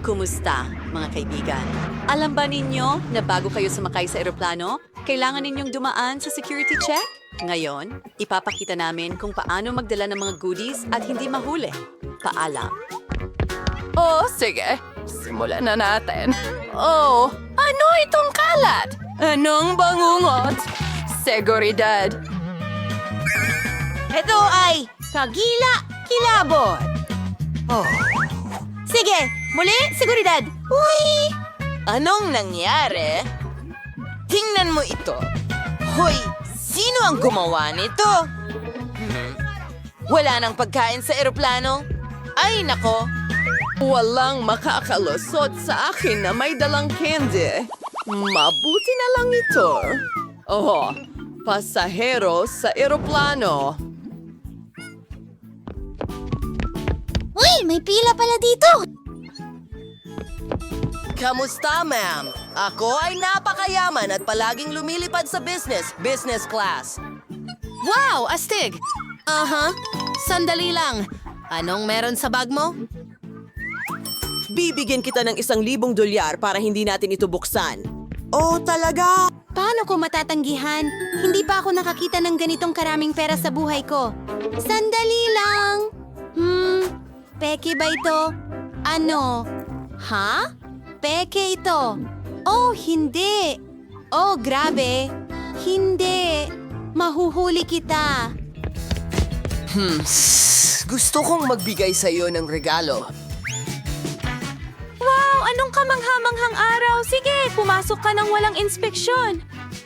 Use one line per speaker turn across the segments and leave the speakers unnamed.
Kumusta, mga kaibigan? Alam ba ninyo na bago kayo sumakay sa eroplano, kailangan ninyong dumaan sa security check? Ngayon, ipapakita namin kung paano magdala ng mga goodies at hindi mahuli. Paalam.
Oh, sige. Simulan na natin. Oh, ano itong kalat? Anong bangungot? Seguridad.
Ito ay kagila-kilabot. Oh. Sige, muli, seguridad. Uy! Anong nangyari? Tingnan mo ito. Hoy, sino ang gumawa nito? Wala nang pagkain sa eroplano? Ay, nako.
Walang makakalusot sa akin na may dalang candy. Mabuti na lang ito. Oh, pasahero sa eroplano.
Uy, may pila pala dito.
Kamusta, ma'am? Ako ay napakayaman at palaging lumilipad sa business class.
Wow, astig. Aha, sandali lang. Anong meron sa bag mo?
Bibigyan kita ng $1,000 para hindi natin ito buksan. Oh, talaga?
Paano ko matatanggihan? Hindi pa ako nakakita ng ganitong karaming pera sa buhay ko. Sandali lang. Peke ba ito? Ano? Ha? Peke ito. Oh, hindi. Oh, grabe. Hindi. Mahuhuli kita.
Gusto kong magbigay sa iyo ng regalo.
Wow! Anong kamanghamanghang araw? Sige, pumasok ka ng walang inspeksyon.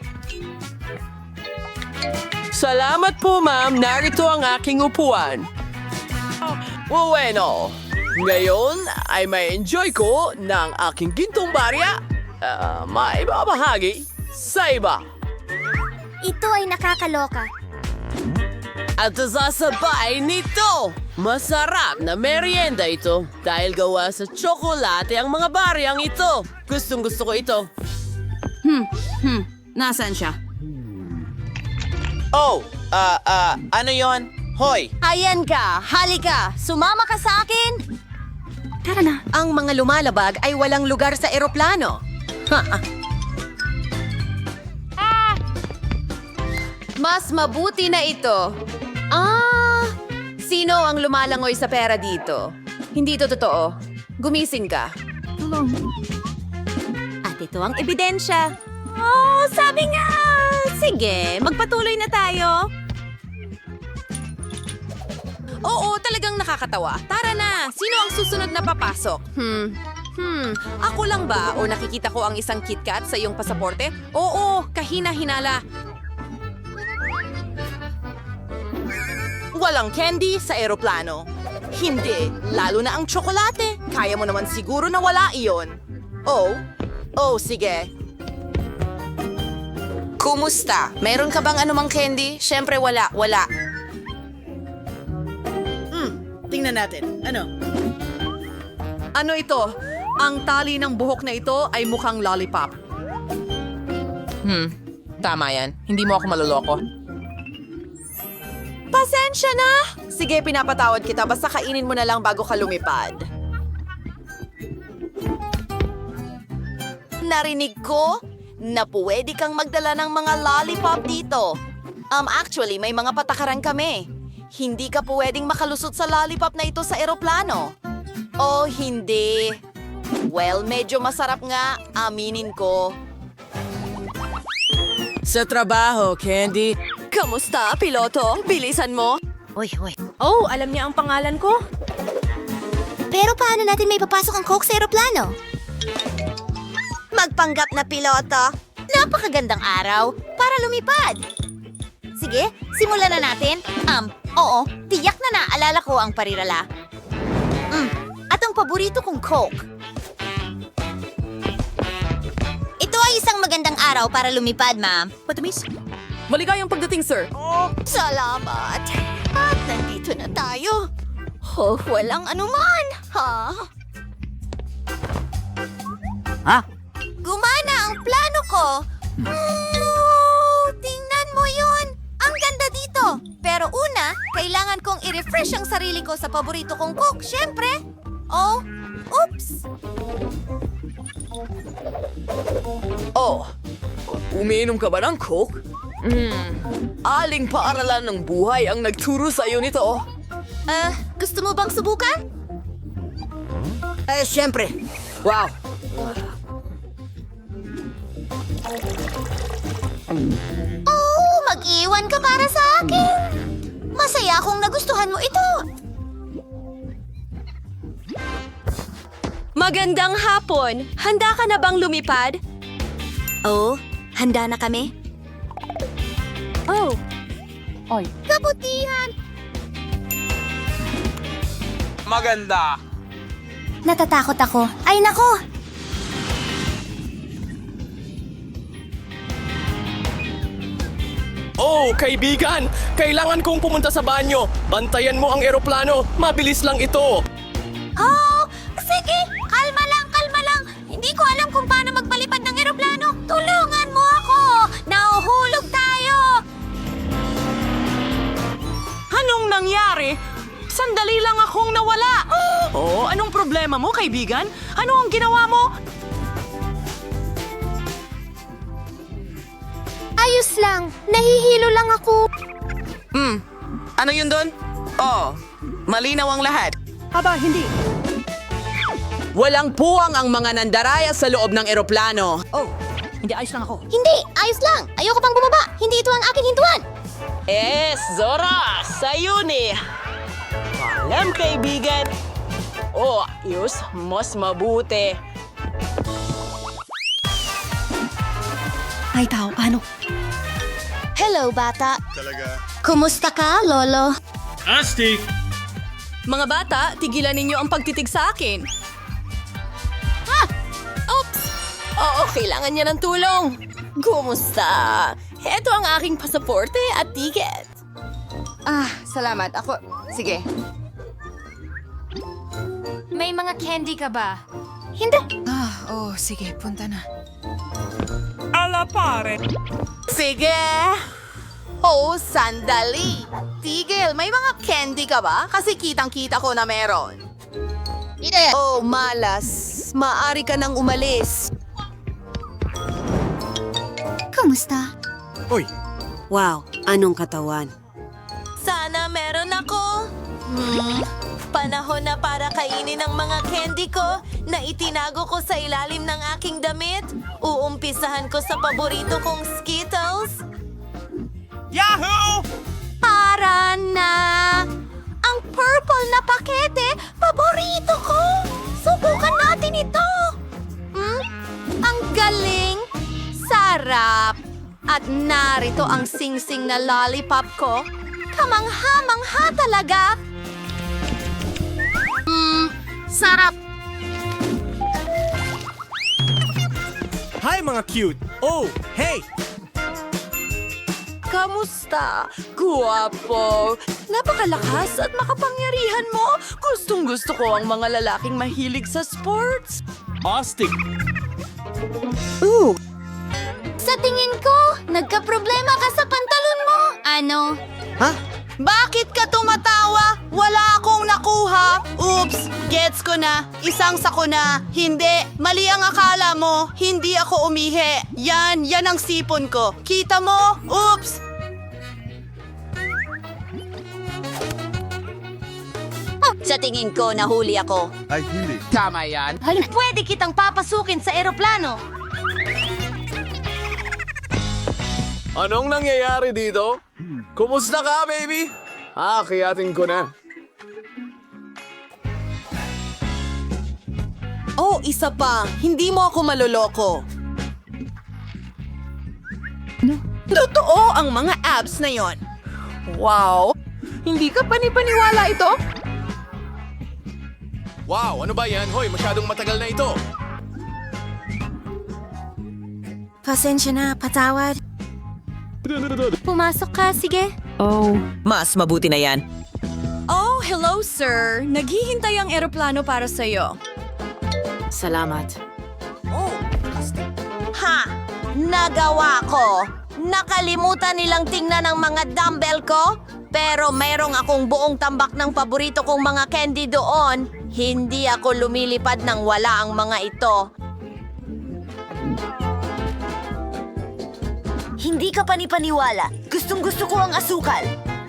Salamat po, ma'am. Narito ang aking upuan. Bueno, ngayon ay may enjoy ko ng aking gintong barya. Maibabahagi sa iba.
Ito ay nakakaloka.
At sasabay nito, masarap na merienda ito dahil gawa sa tsokolate ang mga baryang ito. Gustong gusto ko ito.
Nasaan siya?
Oh, ano yon? Hoy,
Ayan ka, halika, sumama ka sa akin.
Tara na.
Ang mga lumalabag ay walang lugar sa eroplano. Mas mabuti na ito. Sino ang lumalangoy sa pera dito? Hindi ito totoo. Gumising ka.
At ito ang ebidensya. Oh, sabi nga! Sige, magpatuloy na tayo.
Oo, talagang nakakatawa. Tara na! Sino ang susunod na papasok? Ako lang ba? O nakikita ko ang isang KitKat sa iyong pasaporte? Oo, kahina-hinala.
Walang candy sa eroplano. Hindi, lalo na ang tsokolate. Kaya mo naman siguro na wala iyon. Oh, sige.
Kumusta? Meron ka bang anumang candy? Siyempre wala.
Tingnan natin. Ano?
Ano ito? Ang tali ng buhok na ito ay mukhang lollipop.
tama yan. Hindi mo ako maloloko.
Pasensya na! Sige, pinapatawad kita. Basta kainin mo na lang bago ka lumipad.
Narinig ko na pwede kang magdala ng mga lollipop dito. Actually, may mga patakaran kami. Hindi ka pwedeng makalusot sa lollipop na ito sa eroplano. Oh, hindi. Well, medyo masarap nga, aminin ko.
Sa trabaho, Candy.
Kamusta, piloto? Bilisan mo.
Oh, alam niya ang pangalan ko?
Pero paano natin may papasok ang Coke sa eroplano? Magpanggap na piloto. Napakagandang araw para lumipad. Sige, simulan na natin. Oo, tiyak na naalala ko ang parirala. At ang paborito kong Coke. Ito ay isang magandang araw para lumipad, ma'am.
Matamis?
Maligayang pagdating, sir.
Salamat. At nandito na tayo. Oh, walang anuman. Gumana ang plano ko. Tingnan mo yun. Ang ganda dito. Pero una, kailangan kong i-refresh ang sarili ko sa paborito kong Coke, syempre. Oh, Oops!
Oh, umiinom ka ba ng Coke? Aling paaralan ng buhay ang nagturo sa iyo nito?
Gusto mo bang subukan?
Siyempre. Wow.
Oh, mag-iwan ka para sa akin! Masaya akong nagustuhan mo ito!
Magandang hapon! Handa ka na bang lumipad?
Oh, handa na kami?
Oh,
Kabutihan!
Maganda.
Natatakot ako. Ay, nako!
Oh, kaibigan! Kailangan kong pumunta sa banyo. Bantayan mo ang eroplano. Mabilis lang ito.
Oh, sige! Kalma lang, kalma lang! Hindi ko alam kung paano magpalipad ng eroplano. Tulungan mo ako! Nahuhulog tayo!
Anong nangyari? Sandali lang akong nawala. Oh, anong problema mo, kaibigan? Ano ang ginawa mo?
Ayos lang. Nahihilo lang ako.
Ano yun doon? Oh, malinaw ang lahat.
Walang puwang ang mga nandaraya sa loob ng eroplano.
Hindi, ayos lang. Ayoko pang bumaba. Hindi ito ang aking hintuan.
Zora! Sa'yo ni! Alam, kaibigan. Oh, ayos. Mas mabuti.
Hello, bata. Kumusta ka, Lolo?
Mga bata, tigilan ninyo ang pagtitig sa akin.
Oo, kailangan niya ng tulong. Kumusta? Heto ang aking pasaporte at ticket.
Salamat. Ako, sige.
may mga candy ka ba?
Hindi.
Sige! Oh, sandali! Tigil, may mga candy ka ba? Kasi kitang-kita ko na meron.
Oh, malas. Maari ka nang umalis.
Kumusta?
Wow, anong katawan?
Sana meron ako. Panahon na para kainin ang mga candy ko na itinago ko sa ilalim ng aking damit. Uumpisahan ko sa paborito kong Skittles.
Yahoo!
Para na! Ang purple na pakete, paborito ko! Subukan natin ito! Ang galing! Sarap! At narito ang sing-sing na lollipop ko. Kamangha-mangha talaga! Sarap!
Hi mga cute! Oh, hey!
Kamusta? Guwapo. Napakalakas at makapangyarihan mo. Gustong-gusto ko ang mga lalaking mahilig sa sports.
Astig!
Sa tingin ko, nagka-problema ka sa pantalon mo. Ano?
Bakit ka tumatawa? Wala akong nakuha. Oops, gets ko na. Isang sako na. Hindi, mali ang akala mo. Hindi ako umihi. Yan ang sipon ko. Kita mo? Oops!
Sa tingin ko, nahuli ako.
Tama yan.
Pwede kitang papasukin sa eroplano.
Anong nangyayari dito? Kumusta ka, baby? Kiyatin ko na.
Oh, isa pa. Hindi mo ako maloloko. Totoo ang mga abs na yon. Wow! Hindi ka panipaniwala ito?
Wow, ano ba yan? Hoy, masyadong matagal na ito.
Pasensya na, patawad. Pumasok ka, sige.
Mas mabuti na yan.
Oh, hello sir. Naghihintay ang eroplano para sa'yo.
Salamat.
Ha! Nagawa ko! Nakalimutan nilang tingnan ang mga dumbbell ko? Pero merong akong buong tambak ng paborito kong mga candy doon. Hindi ako lumilipad nang wala ang mga ito. Hindi ka panipaniwala. Gustong-gusto ko ang asukal.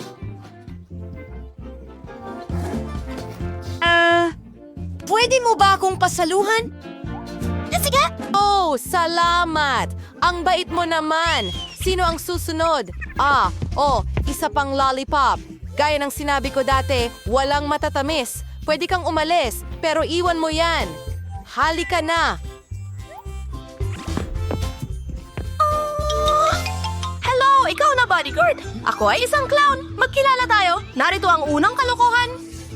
Pwede mo ba akong pasaluhan?
Sige!
Oh, salamat! Ang bait mo naman! Sino ang susunod? Isa pang lollipop. Gaya ng sinabi ko dati, walang matatamis. Pwede kang umalis, pero iwan mo yan. Halika na!
Hello, ikaw na bodyguard. Ako ay isang clown. Magkilala tayo. Narito ang unang kalokohan.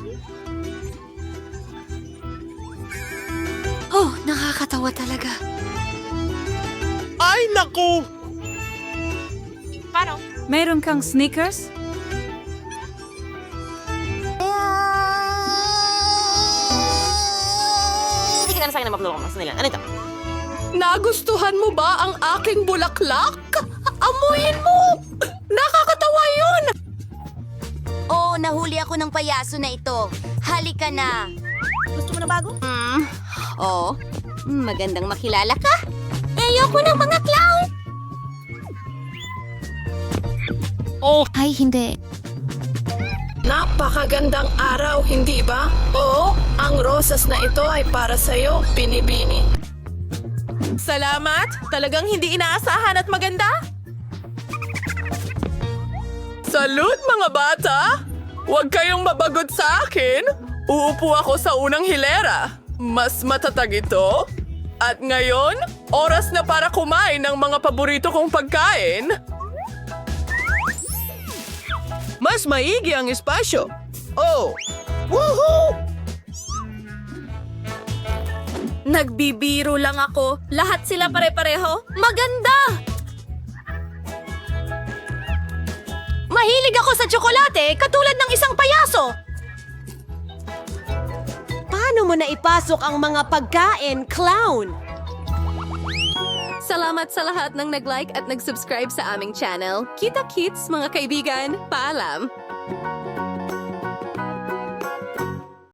Oh, nakakatawa talaga.
Ay, naku!
Meron kang sneakers?
Nagustuhan mo ba ang aking bulaklak? Amuyin mo! Nakakatawa yun!
Oh, nahuli ako ng payaso na ito. Halika na. Gusto mo na bago? Magandang makilala ka. Ayoko ng mga clown. Ay, hindi.
Napakagandang araw, hindi ba? Oo, ang rosas na ito ay para sa'yo, Binibini. Salamat! Talagang hindi inaasahan at maganda. Salud, mga bata! Huwag kayong mabagot sa akin. Uupo ako sa unang hilera. Mas matatag ito. At ngayon, oras na para kumain ng mga paborito kong pagkain. Mas maigi ang espasyo. Oh! Woohoo!
Nagbibiro lang ako. Lahat sila pare-pareho. Maganda! Mahilig ako sa tsokolate, katulad ng isang payaso.
Paano mo na ipasok ang mga pagkain, clown?
Salamat sa lahat ng nag-like at nag-subscribe sa aming channel. Kita-kits, mga kaibigan. Paalam!